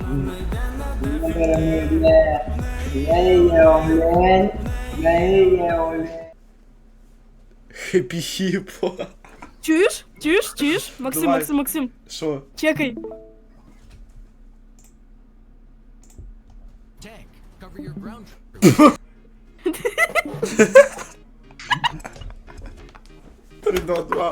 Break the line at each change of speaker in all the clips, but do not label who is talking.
Хеппі хіпо.
Чуєш? Чуєш? Чуєш? Максим,
Давай.
Максим, Максим.
Що?
Чекай.
Tank, cover your ground.
3, 2, 2.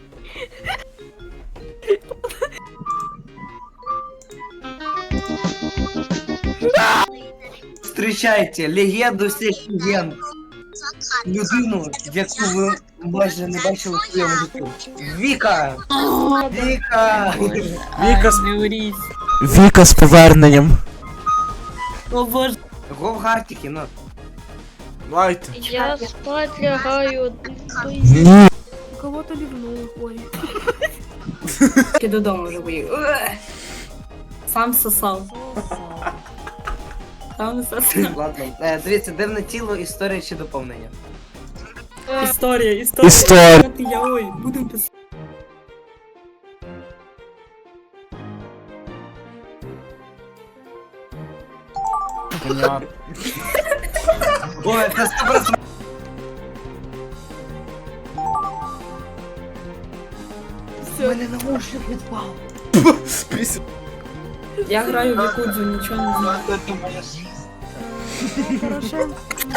Встречайте легенду всіх легенд. Людину, яку ви майже не бачили в своєму житті. Віка! Віка!
Віка з...
Говоріть.
Віка з поверненням.
О боже.
Говгартики, ну.
Лайте.
Я спать лягаю.
Ні.
Кого-то лівнув. Ой.
Ти додому вже поїхав. Сам сосав. Сам сосав.
Ладно. Дивіться, дивне тіло, історія чи доповнення.
Історія.
Історія.
Я ой, будемо писати.
Понятно.
Ой, це 100%. У мене наушник відпав.
Спись.
Я граю в Якудзу, нічого не знаю.
Це моя жизнь.
Порошенко.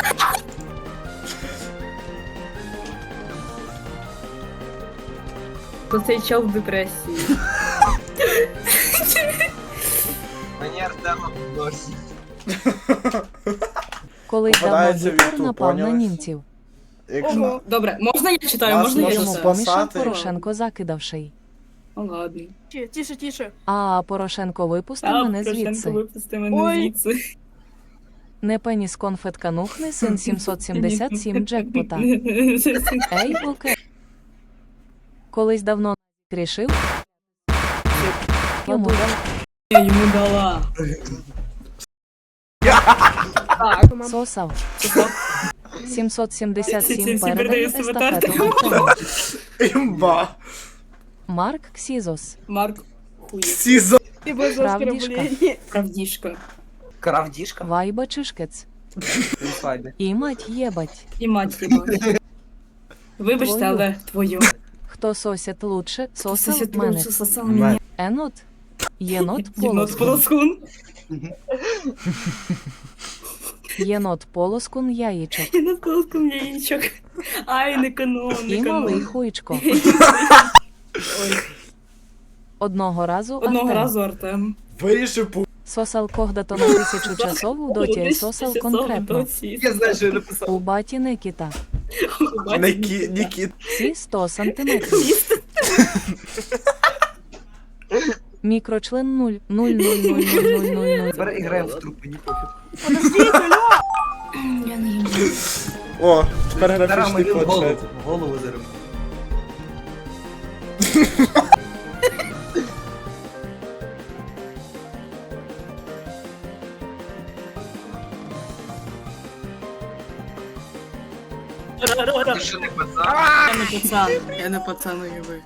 То цей чел в депресії.
Мені Артема досі.
Коли давно
Попадається в
Гітлер
YouTube,
напав на
поняли?
німців.
Якщо...
Ого.
Добре, можна я читаю?
Вас
Можна я
можна
Йому
читаю?
спасати.
помішав Порошенко закидавший.
Ну ладно.
Тише, тише.
А Порошенко випусти
А,
мене
Порошенко,
звідси.
випусти мене
Ой.
звідси.
Не пеніс конфетканухни, син 777 джекпота. Ей, окей. Колись давно рішив. Йому
Я йому дала.
сосав.
Сосав.
777
Всі
передав
передаю себе
естафету Артему.
Імба.
Марк Ксізос.
Марк хує.
Сізо.
І без
Правдішка.
оскорблення.
Правдішка.
Кравдішка?
Вайба Чишкец.
Ладно.
І мать єбать.
І мать хіба. Вибачте,
Твою.
але твою.
Хто сосять лучше,
Сосав
сосав мене.
сосав мене.
Енот. Єнот
Єнот
полоскун.
полоскун.
Єнот полоскун яєчок.
Єнот полоскун яєчок. Ай, не канон,
І
не
малий
канон.
хуйчко.
Ой,
Одного разу
одного
Артем
разу Артем.
Вирішив пу...
сосал когдато на 1000 часов у доті і сосал конкретно.
Я знаю, що я написав.
У баті Никіта.
Нікіт.
Всі 100 сантиметрів. Мікрочлен 0. 0, 0, 0, 0, 0, 0, 0.
Тепер граємо в трупи, не пофіг.
Подождіть, алло.
Я не їм.
О, тепер
Зараз
графічний
мені в голову.
планшет.
В голову зараз. Ти що не пацан?
Я не пацан. Я не пацан, уяви.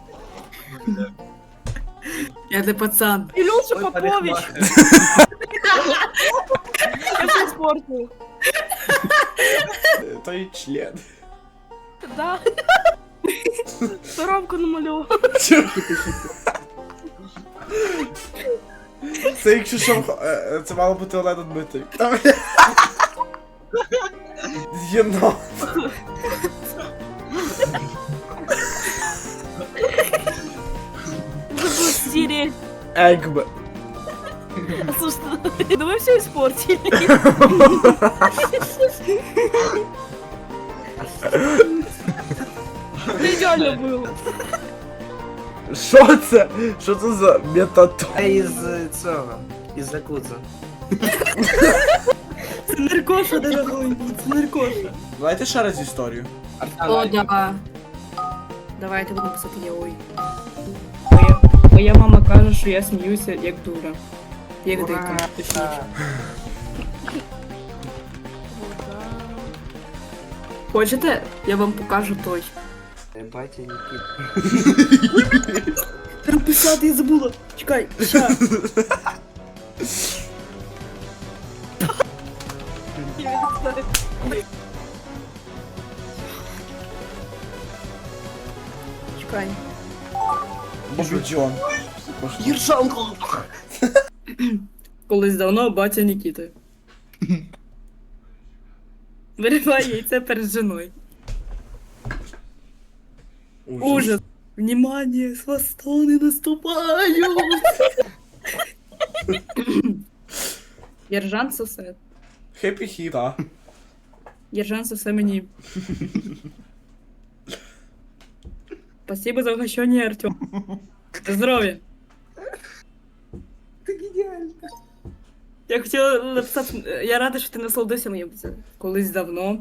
Я не пацан.
Ілюша
Ой,
Попович.
парикмахер.
Я все спорту.
Той член.
Да. Рамку намалював.
Це якщо що, це мало бути Олена Дмитрик. Єнот.
Забыл стереть.
Егб.
Слушай, да вы все испортили. Это идеально было.
Що це? Що це за метатон?
А із цього. Із Якудза.
Це наркоша, дорогой. Це наркоша.
Давайте ще раз історію.
О, да. Давайте будемо писати я ой. Моя мама каже, що я сміюся як дура. Як дика, точніше. Хочете? Я вам покажу той.
Батя Нікіт.
Треба писати, я забула. Чекай, ща. Стань.
Боже, Джон.
Єршанко!
Колись давно батя Нікіти. Вириває яйце перед жіною. Ужас. Внимание, с не наступаю. Єржан сосе.
Хеппі хіта.
Єржан сосе мені. Спасибо за угощение, Артем. Здоров'я.
Ти геніальна.
Я хотіла написати, я рада, що ти насолодився моїм це колись давно.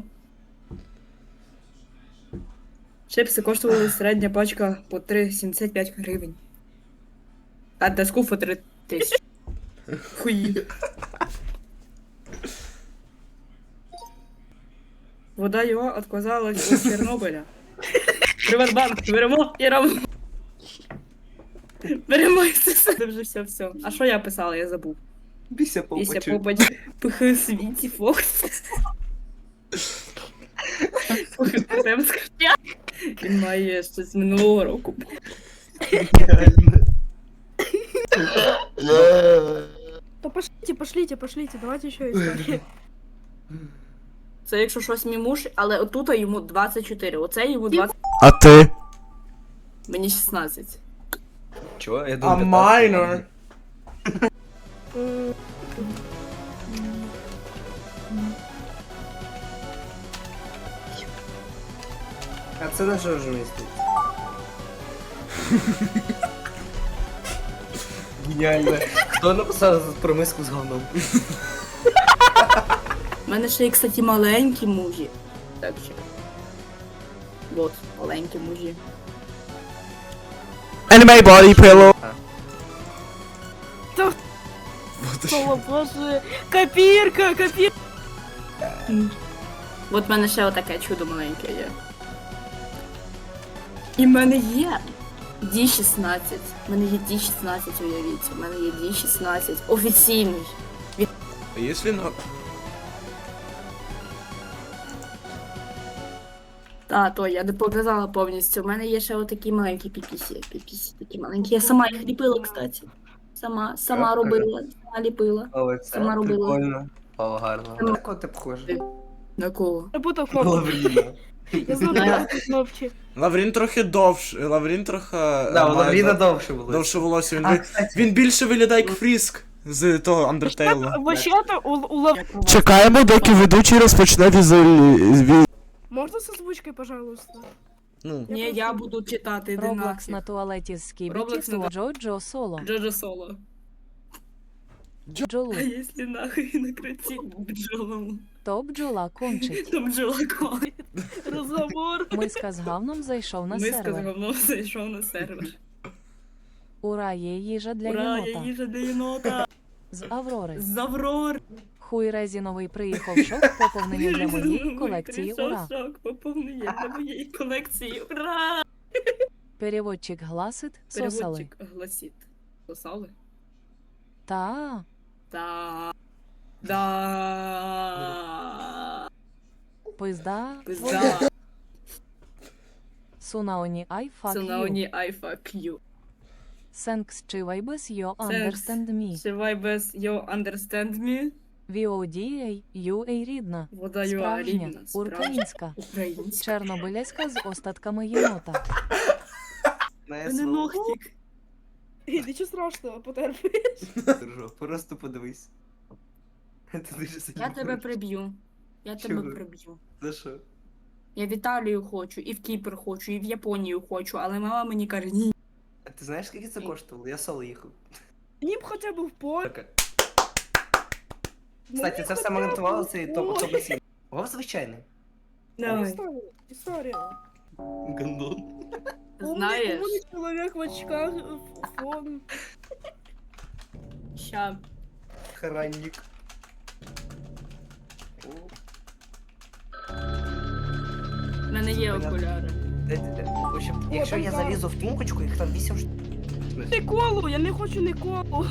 Чипси коштували середня пачка по 3,75 гривень. А доску по 3 тисячі. Хуї. Вода його отказалась від Чорнобиля. Приватбанк, беремо і робимо. Беремо і це вже все. А що я писала, я забув.
Біся
Після
попачу.
попасть пихи світі Фокс. Він має ще з минулого року.
То пошлите, давайте еще историю.
Це якщо щось мімуш, але отут йому 24, оце йому 20,
А ти?
мені 16.
Чого? Я
А
думаю,
майнор.
А це на що вже містить? Геніально. Хто написав про миску з говном?
У мене ще є, кстати, маленькі мужі. Так що. Вот, маленькі мужі.
Anime body pillow.
О, боже, копирка.
От в мене ще отаке чудо маленьке є. І в мене є D16. У мене є D16, уявіть. У мене є D16. Офіційний.
А если на...
Та, то я не показала повністю. У мене є ще отакі маленькі піпісі. Піпісі такі маленькі. Я сама їх ліпила, кстати. Сама робила, сама ліпила.
О, це
Сама робила.
прикольно. О, гарно. На кого ти похожа?
На кого?
Я буду кнопки.
Лавріна.
Я знаю кнопки.
Лаврін трохи довше, Лаврін трохи...
Да, у Лавріна довше було.
Довше волосся,
А, кстати,
він більше виглядає як Фріск з того Undertale.
Вообще-то у Лав...
Чекаємо, доки ведучий розпочне
Можно с озвучкой, пожалуйста?
Ну,
Ні, я буду читати, іди
Роблокс на
нафіг.
туалеті з Скібіті
Роблокс на-
Джоджо Соло.
Джоджо Соло.
Джолу.
А якщо нахуй накрутить бджолом,
То бджола кончить.
то бджола кончить.
Разговор.
Миска з говном зайшов на
Миска з
сервер.
говном зайшов на сервер.
Ура, є їжа для
Ура, я
єнота.
їжа для єнота.
З Аврори.
З Аврор.
Хуй резіновий приїхав шок, поповнення для моєї колекції. Ура.
Шок, поповнення для моєї колекції. Ура!
Переводчик гласит, сосали.
Переводчик гласить. Сосали?
Та.
Да. Да.
Пизда.
Пизда.
Сунаоні I fuck you.
Сунаоні I fuck you.
Thanks чи вайбес you understand me.
Шивай без you understand me.
VODA, UA рідна.
Вода you
Справжня,
рідна.
українська.
Українська.
Чорнобиляська з остатками єнота.
на
Мене
СВО.
ногтик.
Ничего страшного, потерпи.
Держу, просто подивись. Це дуже
Я
сильно.
тебе приб'ю. Я тебе
Чого?
приб'ю.
За що?
Я в Італію хочу, і в Кіпр хочу, і в Японію хочу, але мама мені каже, ні.
А ти знаєш, скільки це коштувало? Я соло їхав.
Они б хотя бы в поле.
Таке. Кстати, це все монтувалося і топ басін. Вов звичайний.
Давай.
История.
Гандон.
Знаєш,
Умный человек в очках, фон.
ща.
Хранник.
В мене є окуляри.
В общем, якщо я залізу в тумбочку, їх там 8 штук.
Николу, я не хочу Николу.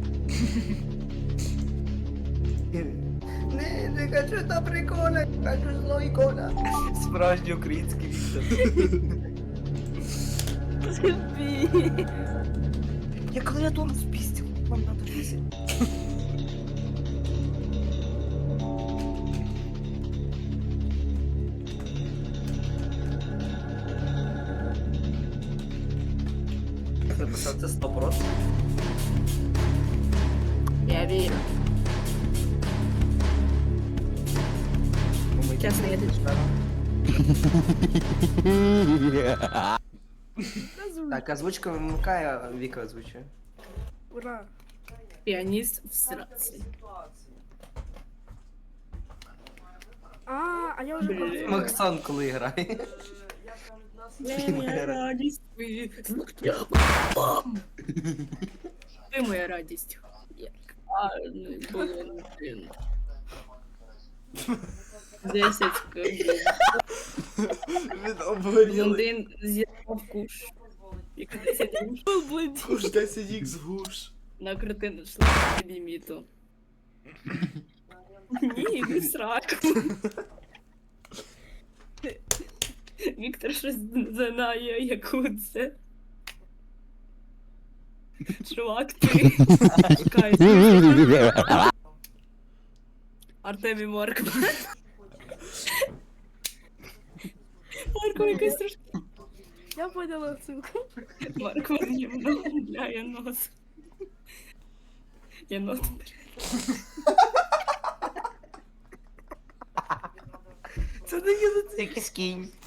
Не хочу та прикола, хочу зло ікона. Справжній український Віктор.
Терпи.
Я клавиатуру спиздил. Вам надо писать. Написав це 100%.
Я вірю. Чесно, я тут.
Так, озвучка вимикає, а Віка озвучує.
Ура.
Піаніст в сраці.
А я вже
Блін.
Максон, коли грає.
Ти моя радість. Ти моя радість. Як гарний Валентин. 10 хвилин.
Він обгорілий.
Блондин з'їдав куш. Як 10 груш.
Куш 10х гуш.
На картину йшла ліміту. Ні, не сраку. Віктор щось знає, яку це. Чувак, ти. Чекай. Артемій Маркман. Марко, якась трошки.
Я поняла ссылку.
Маркман євно для янос. Єнот.
Це не є, це якийсь кінь.